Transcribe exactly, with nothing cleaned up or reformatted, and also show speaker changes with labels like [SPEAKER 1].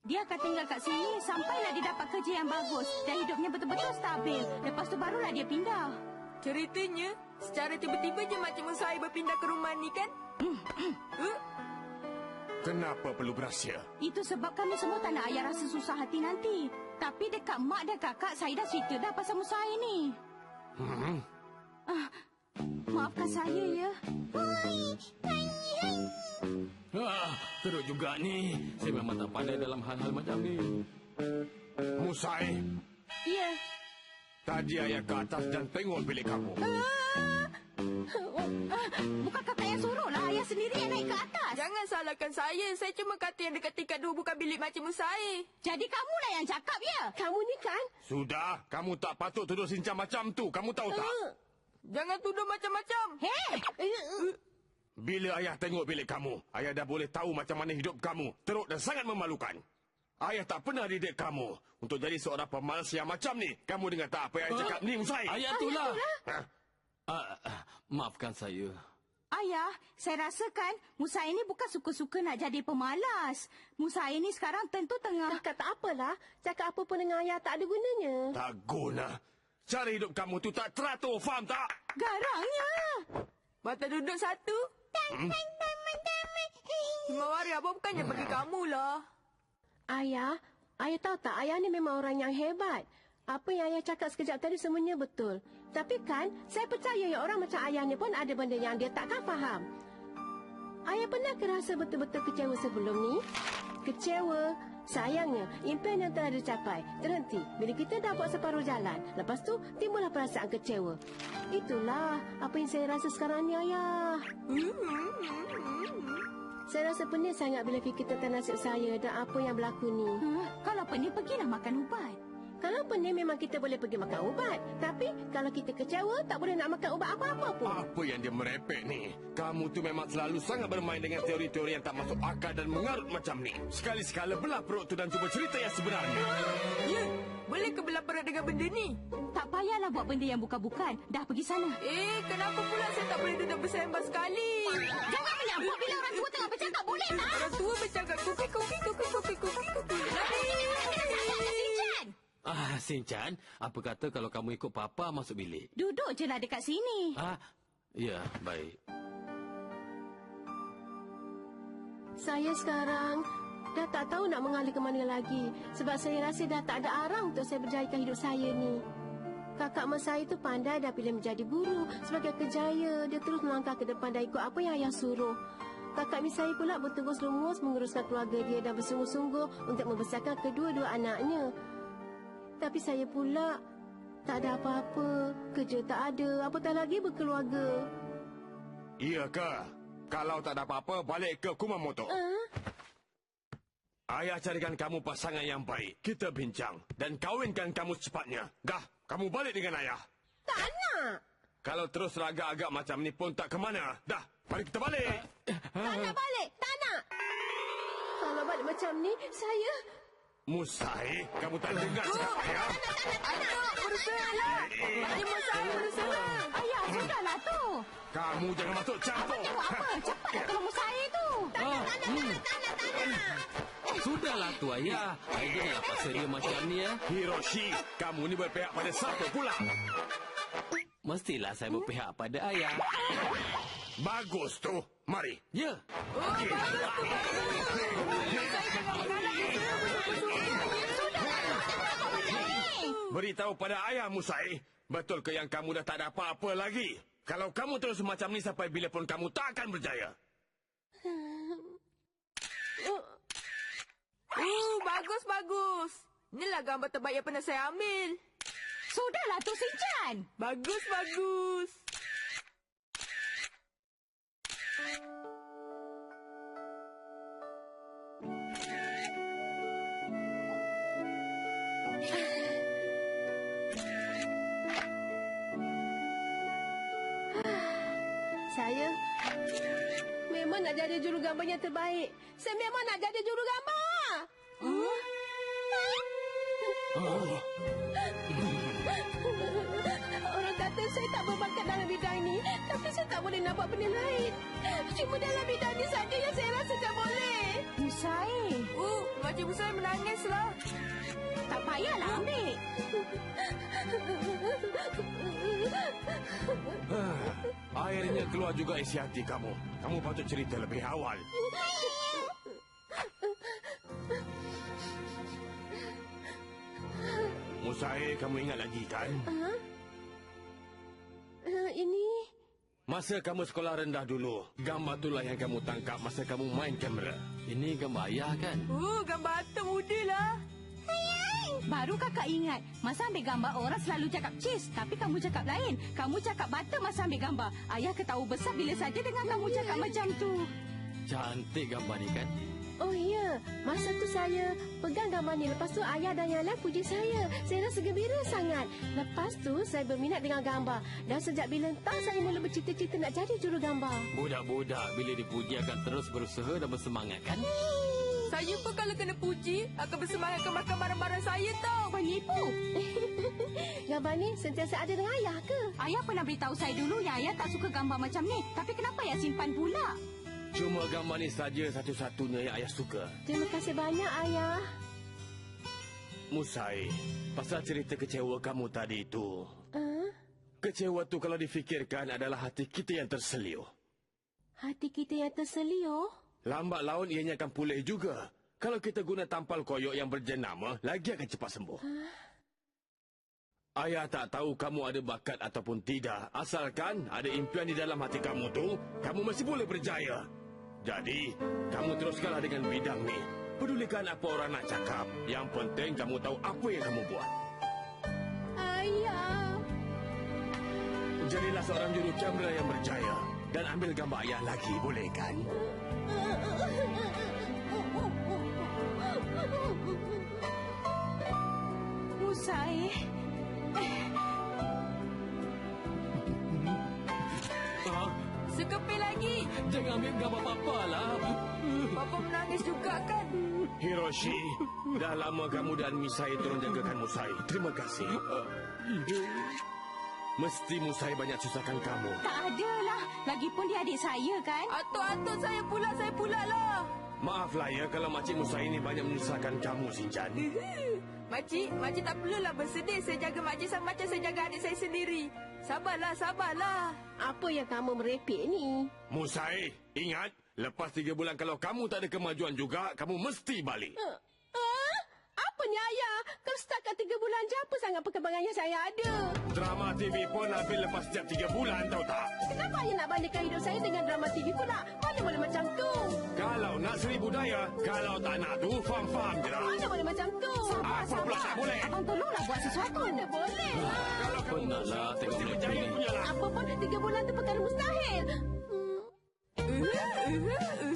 [SPEAKER 1] Dia akan tinggal kat sini sampailah dia dapat kerja yang bagus dan hidupnya betul-betul stabil. Lepas tu barulah dia pindah.
[SPEAKER 2] Ceritanya, secara tiba-tiba je Makcik Musai berpindah ke rumah ni kan? uh?
[SPEAKER 3] Kenapa perlu berahsia?
[SPEAKER 1] Itu sebab kami semua tak nak ayah rasa susah hati nanti. Tapi dekat mak dan kakak, saya dah cerita dah pasal Musai ni.
[SPEAKER 3] Hmm.
[SPEAKER 1] Ah, maafkan saya ya.
[SPEAKER 4] Ah, teruk juga ni. Saya memang tak pandai dalam hal-hal macam ni.
[SPEAKER 3] Musai.
[SPEAKER 1] Ya.
[SPEAKER 3] Tadi ayah ke atas dan tengok bilik kamu.
[SPEAKER 1] Ah, bukan kakak yang suruh lah. Ayah sendiri yang naik ke atas.
[SPEAKER 2] Jangan salahkan saya. Saya cuma kata yang dekat tingkat dua bukan bilik Makcik Musai.
[SPEAKER 1] Jadi kamulah yang cakap ya?
[SPEAKER 5] Kamu ni kan?
[SPEAKER 3] Sudah, kamu tak patut tuduh Sinchan macam tu. Kamu tahu tak?
[SPEAKER 5] Uh.
[SPEAKER 2] Jangan tuduh macam-macam.
[SPEAKER 1] Hei!
[SPEAKER 5] Uh.
[SPEAKER 3] Bila ayah tengok bilik kamu, ayah dah boleh tahu macam mana hidup kamu. Teruk dan sangat memalukan. Ayah tak pernah didik kamu untuk jadi seorang pemalas yang macam ni. Kamu dengar tak apa yang ayah cakap ni, Musai?
[SPEAKER 4] Ayah itulah.
[SPEAKER 3] Ha?
[SPEAKER 4] Ah, ah, maafkan saya.
[SPEAKER 1] Ayah, saya rasakan Musa ini bukan suka-suka nak jadi pemalas. Musa ini sekarang tentu tengah...
[SPEAKER 5] Dah kata apalah. Cakap apa pun dengan ayah tak ada gunanya.
[SPEAKER 3] Tak guna. Cara hidup kamu tu tak teratur, faham tak?
[SPEAKER 1] Garangnya.
[SPEAKER 2] Mata duduk satu. Hmm? Himawari abang bukannya bagi kamu lah.
[SPEAKER 5] Ayah, ayah tahu tak, ayah ni memang orang yang hebat. Apa yang ayah cakap sekejap tadi semuanya betul. Tapi kan, saya percaya yang orang macam ayah ni pun ada benda yang dia takkan faham. Ayah pernah ke rasa betul-betul kecewa sebelum ni? Kecewa. Sayangnya, impian yang telah dicapai terhenti bila kita dah buat separuh jalan. Lepas tu, timbullah perasaan kecewa. Itulah apa yang saya rasa sekarang ni, ayah. Saya rasa pening sangat bila fikir tentang nasib saya dan apa yang berlaku ni.
[SPEAKER 1] Hmm, kalau pening, pergilah makan ubat.
[SPEAKER 5] Kalau pening memang kita boleh pergi makan ubat. Tapi kalau kita kecewa, tak boleh nak makan ubat apa-apa pun.
[SPEAKER 3] Apa yang dia merepek ni? Kamu tu memang selalu sangat bermain dengan teori-teori yang tak masuk akal dan mengarut macam ni. Sekali-sekala belah perut tu dan cuba cerita yang sebenarnya.
[SPEAKER 2] Ya, boleh ke belah perut dengan benda ni?
[SPEAKER 1] Tak payahlah buat benda yang bukan-bukan. Dah pergi sana.
[SPEAKER 2] Eh, kenapa pula saya tak boleh duduk bersembang sekali?
[SPEAKER 1] Jangan menyambut bila orang tua tengah bercakap, boleh tak?
[SPEAKER 2] Orang tua bercakap kuki, kuki, kuki, kuki, kuki, kuki.
[SPEAKER 4] Ah, Sinchan, apa kata kalau kamu ikut Papa masuk bilik?
[SPEAKER 1] Duduk je lah dekat sini.
[SPEAKER 4] Ah, ya, baik.
[SPEAKER 5] Saya sekarang dah tak tahu nak mengalir ke mana lagi. Sebab saya rasa dah tak ada arang untuk saya berjayakan hidup saya ni. Kakak mas saya tu pandai dah pilih menjadi guru. Sebagai kerjaya, dia terus melangkah ke depan dan ikut apa yang ayah suruh. Kakak mis saya pula bertugas lumus menguruskan keluarga dia dan bersungguh-sungguh untuk membesarkan kedua-dua anaknya. Tapi saya pula tak ada apa-apa. Kerja tak ada, apatah lagi berkeluarga.
[SPEAKER 3] Iya ke? Kalau tak ada apa-apa, balik ke Kumamoto.
[SPEAKER 5] Uh?
[SPEAKER 3] Ayah carikan kamu pasangan yang baik. Kita bincang dan kawinkan kamu secepatnya. Dah, kamu balik dengan ayah.
[SPEAKER 5] Tak nak.
[SPEAKER 3] Kalau terus agak-agak macam ni pun tak ke mana. Dah, mari kita balik.
[SPEAKER 5] Tak nak balik, tak nak. Kalau balik macam ni, saya...
[SPEAKER 3] Musai, kamu tak dengar cakap ayah?
[SPEAKER 2] Anak, berusahalah. Makcik Musai berusaha.
[SPEAKER 1] Ayah, sudahlah tu.
[SPEAKER 3] Kamu jangan masuk campur.
[SPEAKER 1] Abang tengok apa? Cepatlah tolong saya tu.
[SPEAKER 5] Tak nak, tak nak, tak nak, tak nak, tak nak.
[SPEAKER 4] Sudahlah tu, ayah. Ayah janganlah paksa dia macam ni, ya.
[SPEAKER 3] Hiroshi, kamu ni berpihak pada siapa pula?
[SPEAKER 4] Mestilah saya berpihak pada ayah.
[SPEAKER 3] Bagus tu. Mari.
[SPEAKER 4] Ya.
[SPEAKER 3] Okey. Beritahu pada ayah, Musai. Betul ke yang kamu dah tak ada apa-apa lagi? Kalau kamu terus macam ni sampai bila pun kamu tak akan berjaya.
[SPEAKER 2] Uh, bagus, bagus. Inilah gambar terbaik yang pernah saya ambil.
[SPEAKER 1] Sudahlah tu, Sinchan.
[SPEAKER 2] Bagus, bagus.
[SPEAKER 5] Saya memang nak jadi juru gambar yang terbaik. Saya memang nak jadi juru gambar.
[SPEAKER 4] Oh.
[SPEAKER 5] Orang kata saya tak berbakat dalam bidang ini. Tapi saya tak tak boleh nak buat benda lain. Cuma dalam bidang ni saja yang saya rasa tak boleh.
[SPEAKER 1] Musai,
[SPEAKER 2] Uh, Makcik Musai menangislah.
[SPEAKER 1] tak payahlah ambil.
[SPEAKER 3] Ah, akhirnya keluar juga isi hati kamu. Kamu patut cerita lebih awal. Musai, kamu ingat lagi kan?
[SPEAKER 5] Ha? Uh, ini...
[SPEAKER 3] Masa kamu sekolah rendah dulu, gambar itulah yang kamu tangkap masa kamu main kamera.
[SPEAKER 4] Ini gambar ayah kan?
[SPEAKER 2] Uh, gambar atuk muda lah.
[SPEAKER 1] Baru kakak ingat, masa ambil gambar orang selalu cakap cheese, tapi kamu cakap lain. Kamu cakap butter masa ambil gambar. Ayah ketahu besar bila saja dengan kamu cakap macam tu.
[SPEAKER 4] Cantik gambar ni kan?
[SPEAKER 5] Oh ya, masa tu saya pegang gambar ni. Lepas tu ayah dan yang lain puji saya. Saya rasa gembira sangat. Lepas tu saya berminat dengan gambar. Dan sejak bila entah saya mula bercita-cita nak jadi juru gambar.
[SPEAKER 4] Budak-budak bila dipuji akan terus berusaha dan bersemangat kan?
[SPEAKER 2] Saya pun kalau kena puji, akan bersemangat kemakan barang-barang saya tau.
[SPEAKER 1] Penipu.
[SPEAKER 5] Gambar ni sentiasa ada dengan ayah ke?
[SPEAKER 1] Ayah pernah beritahu saya dulu yang ayah tak suka gambar macam ni. Tapi kenapa ayah simpan pula?
[SPEAKER 3] Cuma gambar ni saja satu-satunya yang ayah suka.
[SPEAKER 5] Terima kasih banyak ayah.
[SPEAKER 3] Musai, pasal cerita kecewa kamu tadi itu.
[SPEAKER 5] Uh,
[SPEAKER 3] Kecewa tu kalau difikirkan adalah hati kita yang terseliu.
[SPEAKER 5] hati kita yang terseliu.
[SPEAKER 3] Lambat laun ianya akan pulih juga. Kalau kita guna tampal koyok yang berjenama, lagi akan cepat sembuh. Ayah tak tahu kamu ada bakat ataupun tidak. Asalkan ada impian di dalam hati kamu tu, kamu masih boleh berjaya. Jadi, kamu teruskanlah dengan bidang ni. Pedulikan apa orang nak cakap. Yang penting kamu tahu apa yang kamu buat.
[SPEAKER 5] Ayah.
[SPEAKER 3] Jadilah seorang juru kamera yang berjaya. Dan ambil gambar ayah lagi, boleh kan?
[SPEAKER 1] Musai.
[SPEAKER 4] Ha?
[SPEAKER 2] Sekepil lagi.
[SPEAKER 4] Jangan ambil gambar papa lah.
[SPEAKER 2] Papa menangis juga kan?
[SPEAKER 3] Hiroshi, dah lama kamu dan Misai tolong jagakan Musai. Terima kasih. Mesti Musai banyak susahkan kamu.
[SPEAKER 1] Tak adalah. Lagipun dia adik saya kan?
[SPEAKER 2] Atuk-atuk saya pula, saya pula lah.
[SPEAKER 3] Maaflah ya kalau Makcik Musai ini banyak menyusahkan kamu, Sinjan.
[SPEAKER 2] Makcik, makcik tak perlulah bersedih. Saya jaga makcik sama macam saya jaga adik saya sendiri. Sabarlah, sabarlah.
[SPEAKER 5] Apa yang kamu merepek ni?
[SPEAKER 3] Musai, ingat, lepas tiga bulan kalau kamu tak ada kemajuan juga, kamu mesti balik.
[SPEAKER 5] Ah, ah, apa ni ayah? Kau setakat tiga bulan je apa sangat perkembangan yang saya ada?
[SPEAKER 3] Drama T V pun habis lepas setiap tiga bulan, tahu tak?
[SPEAKER 5] Kenapa ayah nak bandingkan hidup saya dengan drama T V pula? Mana boleh macam tu?
[SPEAKER 3] Kalau nak seri budaya, kalau tak nak tu, faham-faham je lah.
[SPEAKER 5] Mana boleh macam tu?
[SPEAKER 3] Apa pula tak boleh?
[SPEAKER 1] Abang tolonglah buat sesuatu.
[SPEAKER 5] Mana boleh?
[SPEAKER 3] Kalau kamu
[SPEAKER 4] Penatlah tengok
[SPEAKER 3] mesti
[SPEAKER 4] macam
[SPEAKER 3] berjaya
[SPEAKER 4] ni.
[SPEAKER 3] punya lah.
[SPEAKER 5] Apa pun tiga bulan tu perkara mustahil. Hmm.
[SPEAKER 2] Uh, uh, uh.